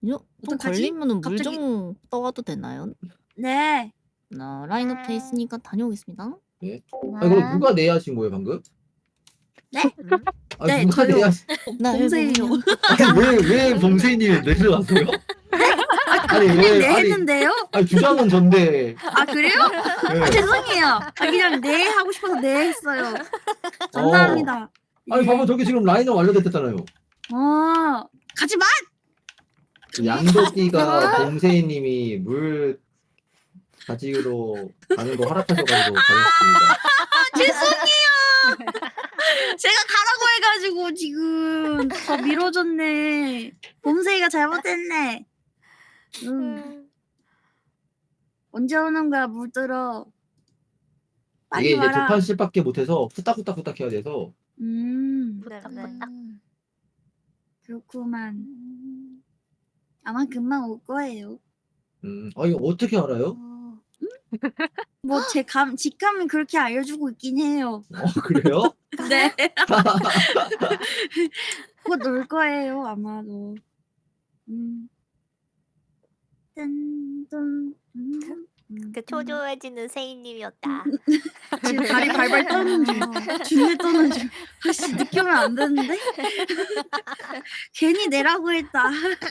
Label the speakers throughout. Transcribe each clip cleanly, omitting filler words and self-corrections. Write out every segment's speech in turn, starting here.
Speaker 1: 좀
Speaker 2: 어떡하지?
Speaker 1: 걸리면은 물
Speaker 2: 갑자기
Speaker 1: 좀 떠와도 되나요?
Speaker 2: 네.
Speaker 1: 라인업 돼 있으니까 다녀오겠습니다.
Speaker 3: 네. 아니 그럼
Speaker 2: 네.
Speaker 3: 누가 내야신 거예요 방금?
Speaker 2: 네?
Speaker 1: 음?
Speaker 3: 아니
Speaker 2: 네
Speaker 3: 누가
Speaker 2: 저요.
Speaker 3: 내야신
Speaker 1: 날
Speaker 2: 봉쇄예요.
Speaker 1: 보면
Speaker 3: 아니 왜 범세이님이 내려갔어요? 아니
Speaker 2: 그냥
Speaker 3: 왜
Speaker 2: 네
Speaker 3: 아니
Speaker 2: 했는데요?
Speaker 3: 아니 주장은 전데
Speaker 2: 아 그래요? 아
Speaker 3: 예.
Speaker 2: 죄송해요. 아 그냥 네 하고 싶어서 네 했어요.
Speaker 3: 어.
Speaker 2: 감사합니다.
Speaker 3: 아니 봐봐
Speaker 2: 예.
Speaker 3: 저기 지금 라인업 완료됐잖아요.
Speaker 2: 가지 마!
Speaker 3: 양도끼가 범세이님이 물 가지러 가는 거 허락하셔 가지고 가셨습니다.
Speaker 2: 죄송해요. 제가 가라고 해 가지고 지금 더 미뤄졌네. 범세이가 잘못했네. 언제 오는 거야 물들어. 빨리
Speaker 3: 이게 이제
Speaker 2: 와라.
Speaker 3: 2판씩밖에 못 해서 후딱후딱 해야 돼서
Speaker 2: 후딱후딱. 그렇구만. 아마 금방 올 거예요.
Speaker 3: 이거 어떻게 알아요?
Speaker 2: 뭐 제 직감은 그렇게 알려주고 있긴 해요.
Speaker 3: 그래요?
Speaker 2: 네. 곧 올 거예요 아마도. 딴딴
Speaker 4: 그 초조해지는 세이님이었다.
Speaker 2: 지금 다리 발발 떠는 중. 준비 떠는 중. 아씨 늦게 오면 안 되는데? 괜히 내라고 했다.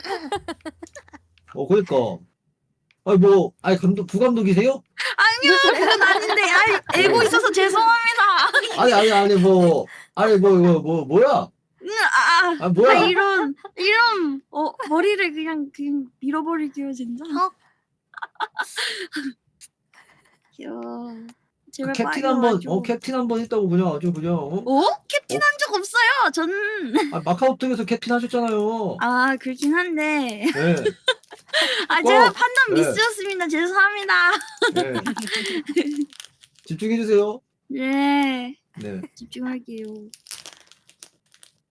Speaker 3: 그러니까. 아니 감독 부감독이세요?
Speaker 2: 아니요 그건 아닌데. 알고 있어서 죄송합니다.
Speaker 3: 아니 뭐야? 뭐야?
Speaker 2: 이런 머리를 그냥 밀어버릴게요 진짜. 귀여워. 제발
Speaker 3: 캡틴
Speaker 2: 빨리
Speaker 3: 한번
Speaker 2: 와줘.
Speaker 3: 캡틴 한번 했다고 그냥 아주 그냥
Speaker 2: 캡틴 한 적 없어요. 저는.
Speaker 3: 마카오톡에서 캡틴 하셨잖아요.
Speaker 2: 그렇긴 한데.
Speaker 3: 네.
Speaker 2: 제가 판단
Speaker 3: 네.
Speaker 2: 미스였습니다. 죄송합니다.
Speaker 3: 네. 집중해 주세요.
Speaker 2: 네.
Speaker 3: 네.
Speaker 2: 집중할게요.